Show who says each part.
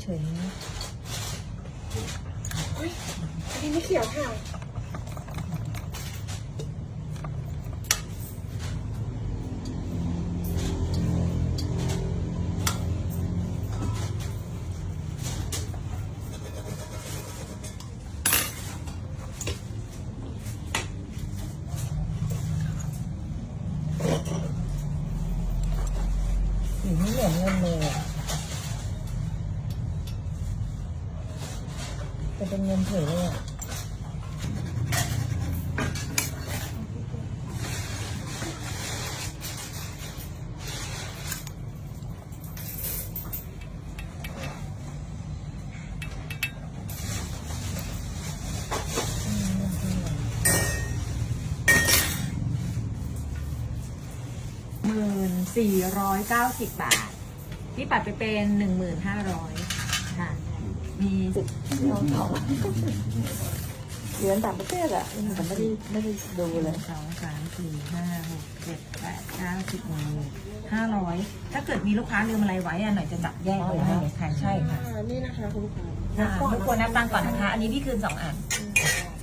Speaker 1: เฉยๆนะ
Speaker 2: เฮ้ยอันนี้ไม่เขียวค่ะ
Speaker 1: สีไม่เหมือนเงินเลยอะแต่เป็นเงินเฉยเลยอ่ะ
Speaker 3: 1490 บาทพี่ปัดไปเป็น 1500ค่ะมี
Speaker 1: เราทองเหรียญต่างประเทศอ่ะแต่ไม่ได้ดูเลย
Speaker 3: 2 3 4 5 6 7 8 9 10 500ถ้าเกิดมีลูกค้าลืมอะไรไว้อะหน่อยจะจับแยกไว้ให้ค่ะใช่ค่ะ
Speaker 2: นี่นะคะคุณลูกค้า
Speaker 3: ทุกคนนับตังค์ก่อนนะคะ อันนี้พี่คืน2 อัน
Speaker 2: อ